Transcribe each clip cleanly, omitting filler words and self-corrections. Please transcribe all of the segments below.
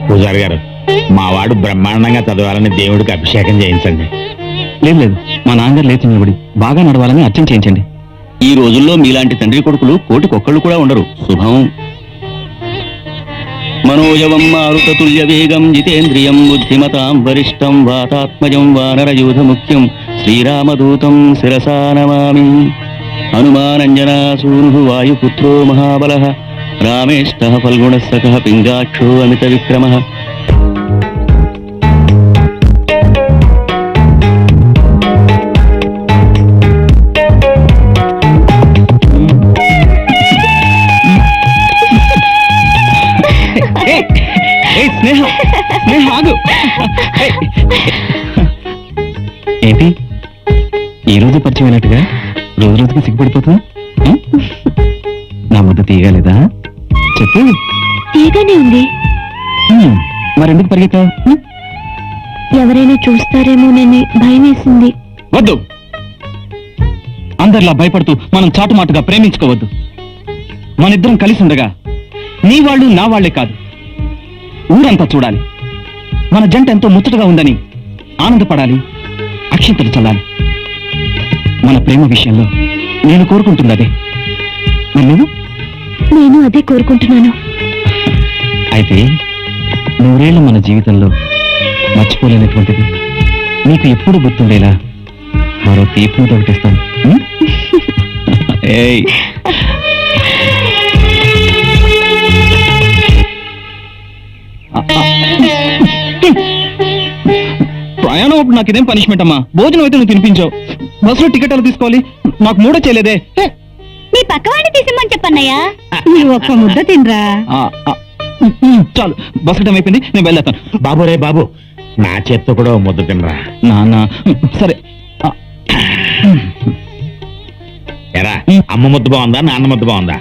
పూజారి గారు, మా వాడు బ్రహ్మాండంగా చదవాలని దేవుడికి అభిషేకం చేయించండి. లేదు లేదు, మా నాన్నగారు లేచి నిలబడి బాగా నడవాలని అర్చన చేయించండి. ఈ రోజుల్లో మీలాంటి తండ్రి కొడుకులు కోటికొక్కళ్ళు కూడా ఉండరు. శుభం. మనోజవం మారుతతుల్య వేగం జితేంద్రియం బుద్ధిమతాం వరిష్టం వాతాత్మజం వానరయూధ ముఖ్యం శ్రీరామదూతం శిరసా నమామి. హనుమానంజనాసూను వాయుపుత్రో మహాబలః రామేష్టః ఫల్గుణస్సఖః పింగాక్షో అమిత విక్రమః. స్నేహ స్నేహ ఆగు. ఏంటి ఈ రోజు పరిచయం అయినట్టుగా రోజు రోజుకి సిగ్గుపడిపోతున్నా? నా ముద్ద తీయగలేదా? చెప్పు. తీయగానే ఉంది. మరెందుకు పరిగెత్తావు? ఎవరైనా చూస్తారేమోనని భయం వేసింది. వద్దు, అందరిలా భయపడుతూ మనం చాటుమాటుగా ప్రేమించుకోవద్దు. మనిద్దరం కలిసి ఉండగా నీ వాళ్ళు నా వాళ్లే కాదు, ఊరంతా చూడాలి. మన జంట ఎంతో ముచ్చటగా ఉందని ఆనందపడాలి, అక్షంతలు చల్లాలి. మన ప్రేమ విషయంలో నేను కోరుకుంటుంది అదే. మరి నువ్వు? నేను అదే కోరుకుంటున్నాను. అయితే నూరేళ్ల మన జీవితంలో మర్చిపోలేనటువంటిది, నీకు ఎప్పుడు గుర్తుండేలా మరో తీర్పును ఒకటిస్తాను. ఏయ్, ప్రయాణం అప్పుడు నాకు ఇదేం పనిష్మెంట్ అమ్మా? భోజనం అయితే నువ్వు తినిపించావు, బస్సులో టికెట్ ఎలా తీసుకోవాలి? నాకు మూడో చేయలేదే. మీ పక్కవాడిని తీసిమ్మని చెప్పన్నయ్యా. నువ్వు ఒక్క ముద్ద తినరా. చాలు, బస్సు టైం అయిపోయింది, నేను వెళ్ళేస్తాను. బాబు రే బాబు, నా చేత్తో కూడా ఓ ముద్ద తినరా. నాన్న సరే. ఎరా, అమ్మ ముద్ద బాగుందా నాన్న ముద్ద బాగుందా?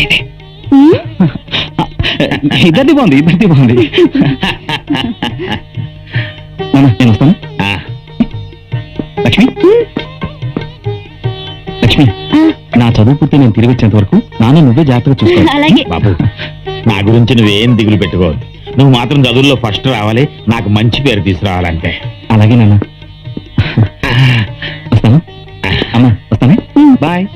ఇద్దరిది బాగుంది, ఇద్దరిది బాగుంది. నాన్న నేను వస్తాను. లక్ష్మి, లక్ష్మి, నా చదువు పూర్తి నేను తిరిగి వచ్చేంత వరకు నాన్న నువ్వే జాగ్రత్తగా చూసుకో. అలాగే బాబు, నా గురించి నువ్వేం దిగులు పెట్టుకోవద్దు. నువ్వు మాత్రం చదువుల్లో ఫస్ట్ రావాలి, నాకు మంచి పేరు తీసుకురావాలంటే. అలాగే నాన్న, వస్తాను. అమ్మా వస్తానే, బాయ్.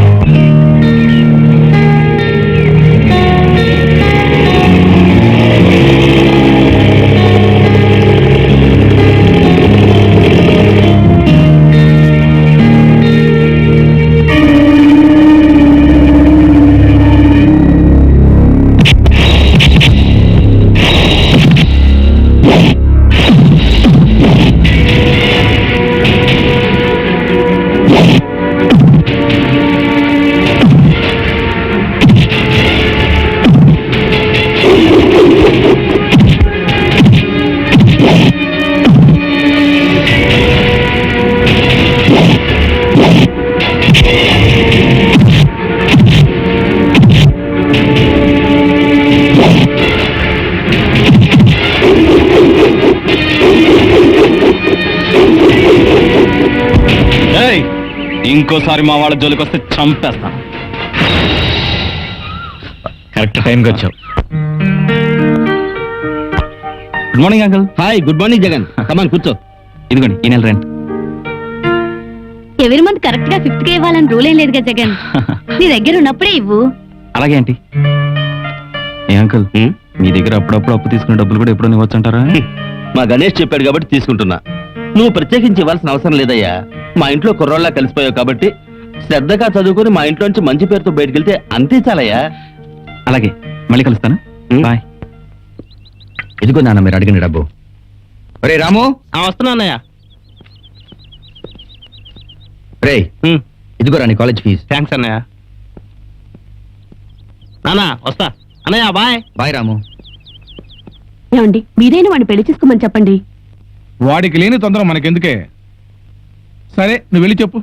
ఇంకోసారి మా వాళ్ళ జోలికి వస్తే చంపేస్తాను. కరెక్ట్ టైంకి వచ్చావు. Good morning uncle. Hi, good morning Jagan. Come on కూర్చో. ఇదిగోండి ఈ నెల రెంట్. ఎవరి మంత్ కరెక్ట్ గా 5th కే ఇవ్వాలని రూల్ ఏం లేదుగా జగన్. నీ దగ్గర ఉన్నప్పుడే ఇవ్వు. అలాగే ఆంటీ. ఏ అంకుల్, మీ దగ్గర అప్పుడప్పుడు అప్పు తీసుకునే డబ్బులు కూడా ఎప్పుడో ఇవ్వచ్చు అంటారా? మా గణేష్ చెప్పాడు కాబట్టి తీసుకుంటున్నా. నువ్వు ప్రత్యేకించి ఇవ్వాల్సిన అవసరం లేదయ్యా. మా ఇంట్లో కుర్రోళ్ళ కలిసిపోయావు కాబట్టి శ్రద్ధగా చదువుకుని మా ఇంట్లోంచి మంచి పేరుతో బయటకెళ్తే అంతే చాలయ్యా. అలాగే, మళ్ళీ కలుస్తాను. బాయ్. ఇదిగో నాన్న మీరు అడిగిన డబ్బు. రే రాము, వస్తున్నా అన్నయ్య. రే ఇదిగో రాని కాలేజ్ ఫీజు. థ్యాంక్స్ అన్నయ్య. నానా వస్తా అన్నయ్య. బాయ్. బాయ్ రాము. ఏమండి, మీరైనా వాడిని పెళ్లి చేసుకోమని చెప్పండి. వాడికి లేని తొందర మనకెందుకే? సరే, నువ్వు వెళ్ళి చెప్పు.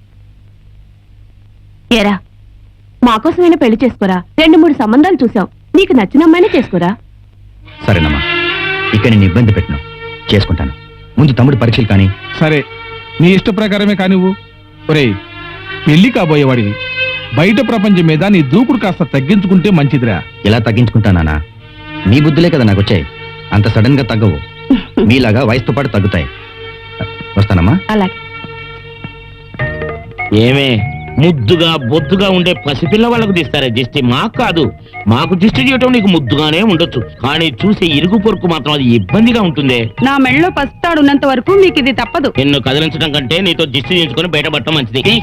ఏరా, మాకోసమైనా పెళ్లి చేసుకోరా. 2-3 సంబంధాలు చూసాం, నీకు నచ్చిన అమ్మాయినే చేసుకోరా. సరేనమ్మా, ఇక నేను ఇబ్బంది పెట్టను, చేసుకుంటాను. ముందు తమ్ముడు పరీక్షలు కానీ. సరే, నీ ఇష్ట ప్రకారమే కానివ్వు. ఒరేయ్, పెళ్లి కాబోయేవాడివి, బయట ప్రపంచం మీద నీ దూకుడు కాస్త తగ్గించుకుంటే మంచిదిరా. ఎలా తగ్గించుకుంటానా? నీ బుద్ధులే కదా నాకు వచ్చాయి. అంత సడన్ గా తగ్గవు, మీలాగా వయసుతో పాటు తగ్గుతాయి. వస్తానమ్మా. అలాగే. ఏమే ముద్దుగా బొద్దుగా ఉండే పసిపిల్ల వాళ్ళకు తీస్తారే దిష్టి, మాకు కాదు. మాకు దిష్టి చేయటం నీకు ముద్దుగానే ఉండొచ్చు, కానీ చూసే ఇరుగు పొరుకు మాత్రం అది ఇబ్బందిగా ఉంటుంది. నా మెళ్ళలో పసుతాడు ఉన్నంత వరకు మీకు ఇది తప్పదు. నిన్ను కదిలించడం కంటే నీతో దిష్టి చేయించుకొని బయటపడటం మంచిది.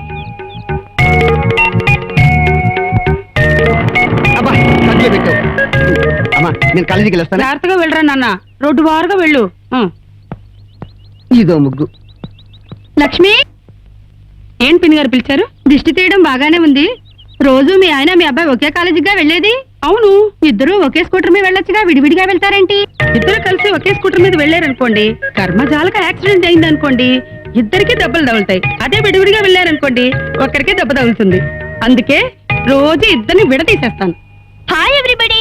అమ్మా నేను కాలేజీకి వెళ్ళొస్తాను. జాగ్రత్తగా వెళ్ళరా నాన్న, రోడ్డు వారుగా వెళ్ళు. ఇదో ముగ్గు. లక్ష్మి, ఏం పిన్ని గారు పిలిచారు? దిష్టి తీయడం బాగానే ఉంది. రోజు మీ ఆయన మీ అబ్బాయి ఒకే కాలేజీగా వెళ్ళేది. అవును, ఇద్దరు ఒకే స్కూటర్ మీద వెళ్ళొచ్చుగా, విడివిడిగా వెళ్తారేంటి? ఇద్దరు కలిసి ఒకే స్కూటర్ మీద వెళ్ళారనుకోండి, కర్మజాలక యాక్సిడెంట్ అయింది అనుకోండి, ఇద్దరికి దెబ్బలు తగులుతాయి. అదే విడివిడిగా వెళ్ళారనుకోండి, ఒక్కరికే దెబ్బ తగులుతుంది. అందుకే రోజు ఇద్దరిని విడతీసేస్తాను. Hi everybody.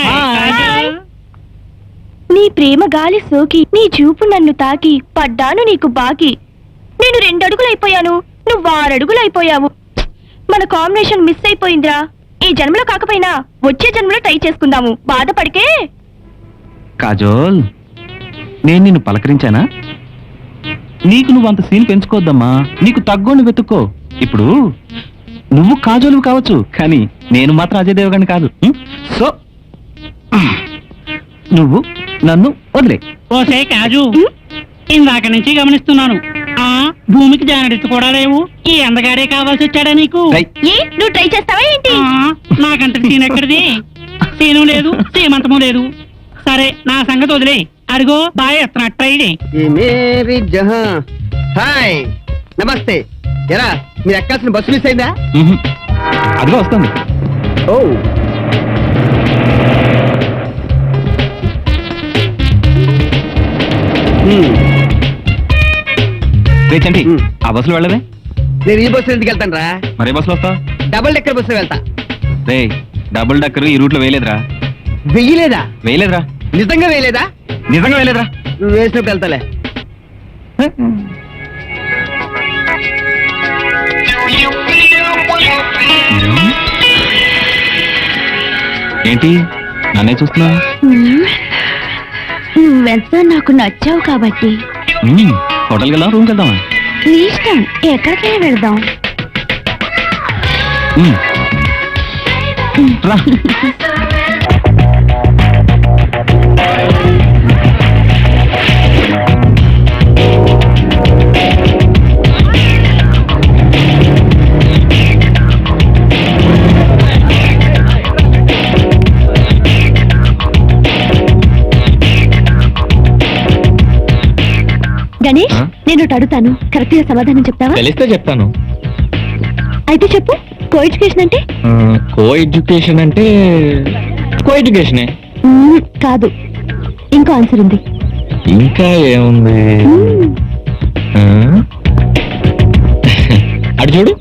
నీ ప్రేమ గాలి సోకి, నీ చూపు నన్ను తాకి, పడ్డాను నీకు బాకి. నేను 2 అడుగులైపోయాను, నువ్వు 6 అడుగులైపోయావు. మన కాంబినేషన్ మిస్ అయిపోయిందిరా. ఈ జన్మలో కాకపోయినా వచ్చే జన్మలో ట్రై చేసుకుందాము, బాధపడికే. కాజోల్, నేను నిన్ను పలకరించానా? నీకు నువ్వు అంత సీన్ పెంచుకోవద్దమ్మా, నీకు తగ్గోని వెతుక్కో. ఇప్పుడు నువ్వు కాజోలు కావచ్చు, కానీ నేను మాత్రం అజయ్ దేవగన్ కాదు. సో నువ్వు నన్ను వదిలే. ఓసే కాజు, ఇందాక నుంచి గమనిస్తున్నాను, ఆ భూమికి జానడిస్తూ కూడా లేవు. ఈ అందగాడే కావాల్సి వచ్చాడా నీకు? ఏ నువ్వు ట్రై చేస్తావా ఏంటి? నాకంత సీన్ ఎక్కడిది? సీను లేదు, సీమంతము లేదు. సరే, నా సంగతి వదిలే. అడిగో బాయ్ ఎత్తనట్టు ట్రై చేయి. హాయ్, నమస్తే. ఎరా మీరు ఎక్కాల్సిన బస్సు మిస్ అయిందా? అదిగో వస్తుంది. ఓ రేచండి, ఆ బస్సులో వెళ్ళవే. నేను ఈ బస్సు ఎందుకు వెళ్తాను రా? మరే బస్సులో వస్తావు? డబుల్ డెక్కర్ బస్సు వెళ్తా. రే, డబుల్ డక్కర్ ఈ రూట్ లో వేయలేదురా. వెయ్యలేదా? వేయలేదురా. నిజంగా వేయలేదా? నిజంగా వేయలేదురా. నువ్వు వేసినప్పుడు వెళ్తాలే. ఏంటి నన్నే చూస్తున్నా? నువ్వెంత నాకు నచ్చావు కాబట్టి. హోటల్కి వెళ్దాం, రూమ్కి వెళ్దామా? నీ ఇష్టం, ఎక్కడికైనా వెళ్దాం. రా. గణేష్, నేను ఒకటి అడుగుతాను, కరెక్ట్ గా సమాధానం చెప్తావా? తెలిస్తే చెప్తాను. అయితే చెప్పు, కో ఎడ్యుకేషన్ అంటే? కో ఎడ్యుకేషన్ అంటే కో ఎడ్యుకేషనే. కాదు, ఇంకో ఆన్సర్ ఉంది. ఇంకా ఏముంది? అటు చూడు,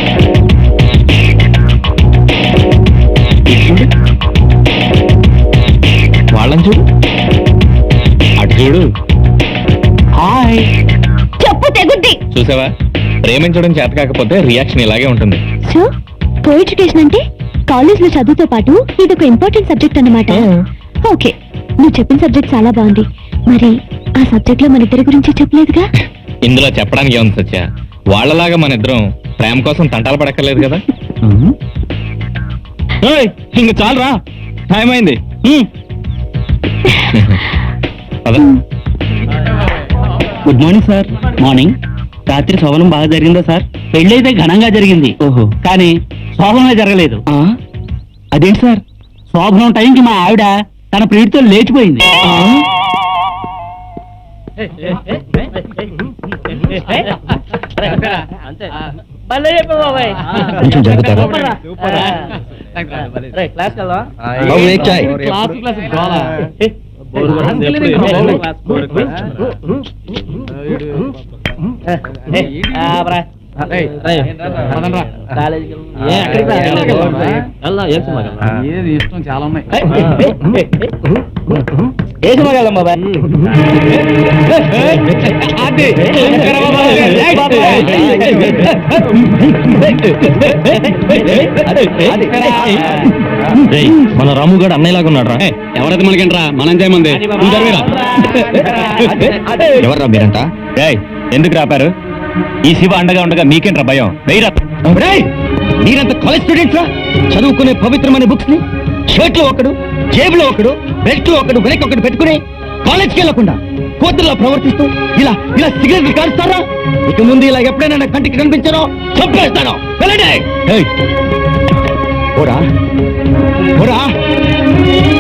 ఇటు చూడు, వాళ్ళని చూడు, అటు చూడు. హాయ్. చెప్పు, తెగుద్ది. చూసావా, ప్రేమించడం చేత కాకపోతే రియాక్షన్ ఇలాగే ఉంటుంది. సో కో ఎడ్యుకేషన్ అంటే కాలేజ్ లో చదువుతో పాటు ఇదొక ఇంపార్టెంట్ సబ్జెక్ట్ అన్నమాట. ఓకే, నువ్వు చెప్పిన సబ్జెక్ట్ చాలా బాగుంది. మరి ఆ సబ్జెక్ట్ లో మన ఇద్దరి గురించి చెప్పలేదుగా? ఇందులో చెప్పడానికి ఏముంది సత్య, వాళ్ళలాగా మన ఇద్దరం ప్రేమ కోసం తంటాలు పడక్కర్లేదు కదా. ఇంక చాలరా, టైం అయింది. Good morning sir. మార్నింగ్. రాత్రి శోభనం బాగా జరిగిందా సార్? పెళ్ళైతే ఘనంగా జరిగింది. ఓహో, కానీ శోభనమే జరగలేదు. అదేంటి సార్? శోభనం టైంకి మా ఆవిడ తన ప్రియుడితో లేచిపోయింది. కొంచెం జరుగుతారా? బాబు, ఏ చాయ్? ఏది ఇష్టం చాలా ఉన్నాయి. ఏసుమగలం బాబా అది మన రాముగాడు అన్నయ్యలాగా ఉన్నాడు రా. ఎవరైతే మనకేంట్రా మనం చేయమంది ఎవర్రా మీరంతా ఎందుకు రాపారు? ఈ శివ అండగా ఉండగా మీకేంట్రా భయం? మీరంత కాలేజ్ స్టూడెంట్స్ రా. చదువుకునే పవిత్రమైన బుక్స్ ని షర్ట్ లో ఒకడు, జేబులో ఒకడు, బెల్ట్ లో ఒకడు, వెనక్కి ఒకడు పెట్టుకుని కాలేజ్కి వెళ్లకుండా కోతుల్లో ప్రవర్తిస్తూ ఇలా ఇలా సిగరెట్లు కాలుస్తారా? ఇక ముందు ఇలా ఎప్పుడైనా నా కంటికి కనిపించారో చంపేస్తాను. వెళ్ళండి. ఓరా ఓరా